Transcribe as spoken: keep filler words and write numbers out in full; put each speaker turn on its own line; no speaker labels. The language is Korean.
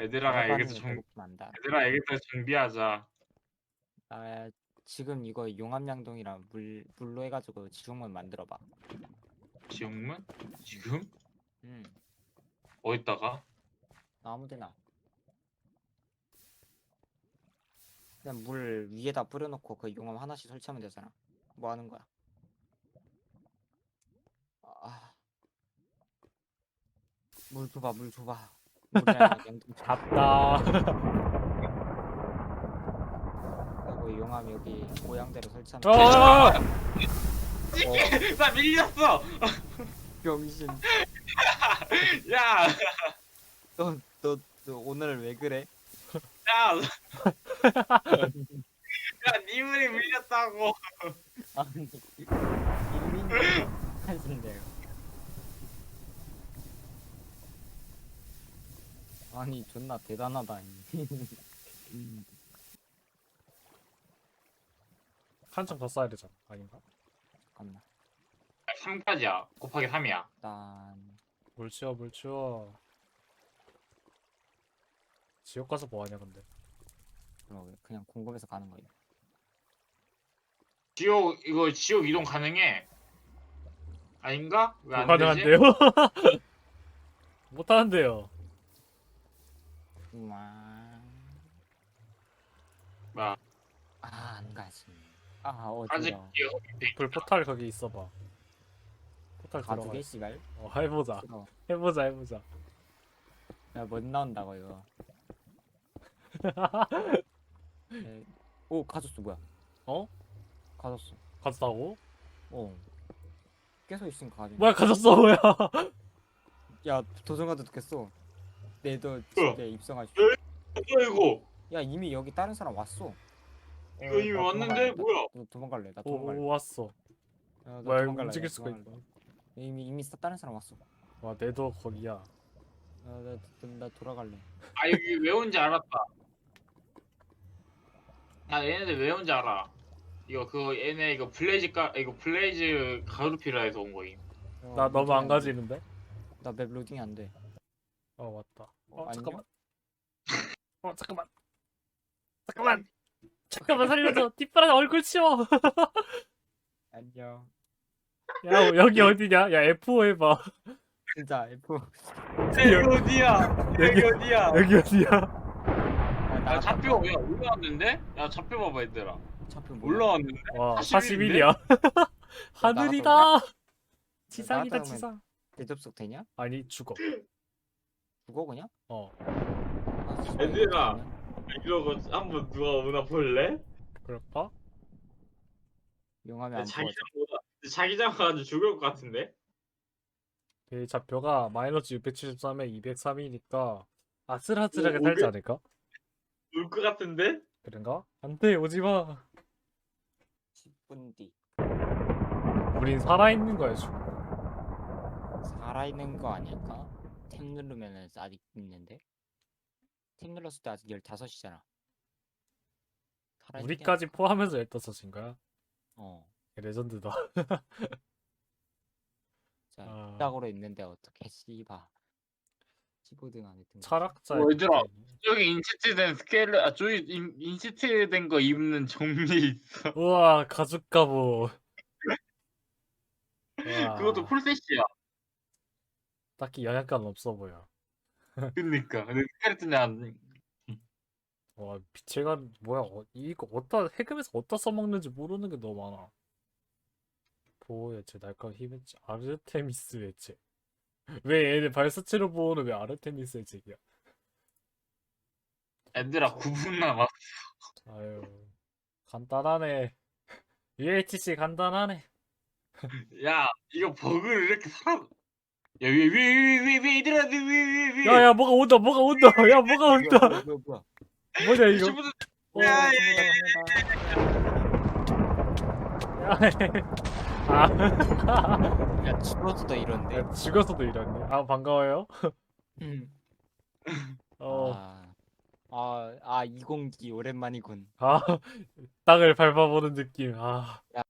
얘들아 여기서
열반이면
정
배고프면 안다.
얘들아 여기서 정비하자.
아 지금 이거 용암양동이랑 물 물로 해가지고 지붕문 만들어봐.
지옥문? 지금?
음
어디다가?
아무데나. 그냥 물 위에다 뿌려놓고 그 용암 하나씩 설치하면 되잖아. 뭐 하는 거야? 아, 물 줘봐, 물 줘봐. 물이랑 양동 줘.
갔다.
그리고 용암 여기 모양대로 설치하면 돼.
어!
이게 나 밀렸어.
병신.
야,
너, 너, 너 오늘 왜 그래?
야, 야, 니물이 밀렸다고.
아니, 일민이 하신대요. 아니, 존나 대단하다.
한참 더 쌓아야 되잖아. 아닌가?
잠깐만.
삼까지야. 곱하기 삼이야.
일단
물 치워, 물 치워. 지옥 가서 뭐 하냐, 근데.
그럼 그냥 궁금해서 가는 거예요.
지옥 이거 지옥 이동 가능해? 아닌가? 왜 안 되지?
불가능한데요? 못하는데요.
우와.
뭐
아, 안 가지. 아,
아직
어디로?
불 포탈 거기 있어봐. 포탈 들어가.
가두개 씨발.
어, 해보자.
싫어.
해보자, 해보자.
야, 못 나온다고 이거. 에, 오, 가졌어 뭐야?
어?
가졌어.
가졌다고?
어. 계속 있으니까 가지.
뭐야, 가졌어, 뭐야.
야, 도전가도 듣겠어. 내도
어.
집에 입성할 수.
뭐야 이거?
야, 이미 여기 다른 사람 왔어.
이거 이미
나
왔는데
도망갈래.
뭐야?
나 도망갈래. 나
오,
도망갈래.
오, 왔어.
야, 나
뭐야, 이거
도망갈래.
움직일
나
수가
도망갈래.
있다.
이미 이미 사- 다른 사람 왔어.
와, 내도 거기야.
야, 나, 나 돌아갈래.
아 여기 왜 온지 알았다. 나 얘네들 왜 온지 알아. 이거 그거 얘네 이거 블레이즈 가 이거 블레이즈 가루피라에서 온 거임.
어,
나 너무
로딩이
안
돼.
가지는데?
나 맵 로딩이 안 돼.
어, 왔다.
어,
어,
안녕?
잠깐만. 어, 잠깐만. 잠깐만. 잠깐만, 살려줘. 뒷바람 얼굴 치워.
안녕.
야, 여기 어디냐? 야, 에프 오 해봐.
진짜 F.
여기 어디야?
여기-
여기 어디야?
여기 어디야?
야,
야
나갔다
좌표
와.
야 올라왔는데? 야 좌표 봐봐 얘들아.
좌표 뭐야?
올라왔는데?
와,
사십일인데?
사십일이야. 하늘이다. 지상이다,
나갔다 오면
지상.
대접속 되냐?
아니, 죽어.
죽어 그냥?
어,
아, 씨발,
얘들아.
이거 되냐?
이러고 한번 누가 오나 볼래?
그럴까?
용암이 안
자기장
부어져.
보다 자기장 가지고 죽을 것 같은데?
그 좌표가 마이너스 육백칠십삼에 이백삼이니까 아슬아슬하게
오,
살지
오백?
않을까?
울 것 같은데?
그런가? 안돼, 오지마.
십 분 뒤.
우린 살아있는 거야, 지금.
살아있는 거 아닐까? 탭 누르면은 아직 있는데? 탭 눌렀을 때 아직 열다섯이잖아.
우리까지 포함해서 열다섯인 거야?
어.
레전드다.
자,
아.
딱으로 있는데 어떻게 씨바. 십오 등 안에 등.
철학자.
어, 얘들아. 저기 인시트된 스케일러 아 저기 인, 인시트된 거 입는 좀비 있어.
우와, 가죽 갑옷. 우와,
그것도 풀셋이야.
딱히 영향감 없어 보여.
그니까. 근데 스켈레톤이 안
와, 빛의 간 뭐야? 어, 이거 어디다 해금에서 어디다 써먹는지 모르는 게 너무 많아. 보호 예체, 날카로운 힘 예체, 아르테미스 예체. 왜 얘네 발사체로 보호는 왜 아르테미스 예체야?
애들아 구 분 남았어.
아유, 간단하네. 유에이치씨 간단하네.
야 이거 버그를 이렇게 살아. 야위위위위위 얘들아 위위위위.
야야, 뭐가 온다, 뭐가 온다. 야, 뭐가 온다.
뭐야 뭐야 뭐야.
뭐냐 이거?
친구들
어,
야, 야,
아,
야 죽어서도 이런데.
야, 죽어서도 이러네. 아, 반가워요.
음.
어,
아, 아, 아 이공기 오랜만이군.
아, 땅을 밟아보는 느낌. 아,
야